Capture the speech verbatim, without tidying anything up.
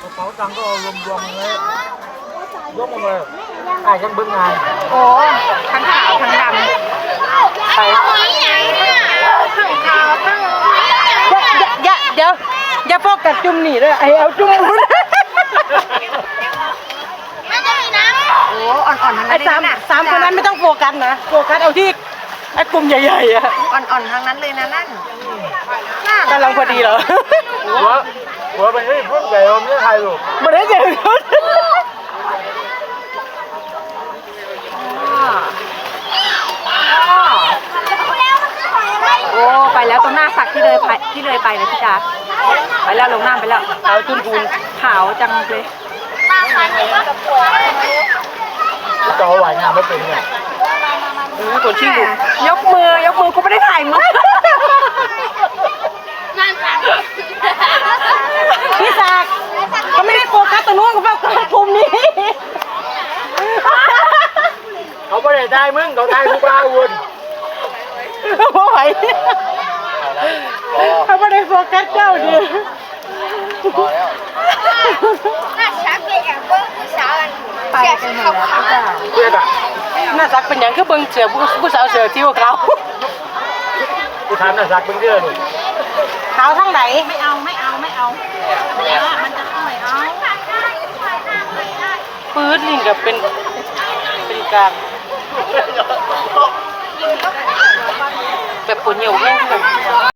ระเป๋าตังค์ก็เอารวมๆเลยยกมาเลยไอ้ยังบึ้งงานโอ้ทั้งขาวทั้งดำไปทั้งขาวทั้งอย่าเดี๋ยวอย่าโฟกัสจุ่มนี่ด้วยไอเอาจุ่มนู้นโอ้อ่อนๆทั้งนั้นเลยนะสามคนนั้นไม่ต้องโฟกัสนะโฟกัสเอาที่ไอ้กลุ่มใหญ่ๆอะอ่อนๆทั้งนั้นเลยนะนั่นกำลังพอดีเหรอหัวหัวไปนี่พุ่งใหญ่เราไม่ได้ถ่ายรูปไม่ได้เจอโอ้ไปแล้วตรงหน้าสักที่เลยไปที่เลยไปนะพี่จ๋าไปแล้วลงน้ำไปแล้วขาวจุนพูนขาวจังเลยจอไหวงานไม่เป็นไงตัวชี้บุกยกมือยกมือกูไม่ได้ถ่ายมือพี่ศักดิ์เขาไม่ได้โฟกัสตรงนู้นเขาโฟกัสมุมนี้เขาไม่ได้ได้มึงเขาได้ทุกลาวุ่นเพราะไหวเขาไม่ได้โฟกัสเจ้าดิพอแล้วไปกันหมดแล้วเพื่อนอะน่าสักเป็นอย่างคือเบิ้งเสือผู้สาวเสือที่ว่าเขากูถามน่าสักเป็นเรื่องเลยขาวทั้งไหนไม่เอาไม่เอาไม่เอามันจะเข้าไม่เอาปื้ดลิงกับเป็นเป็นกลางแบบปวดเหนียวแห้งแบบ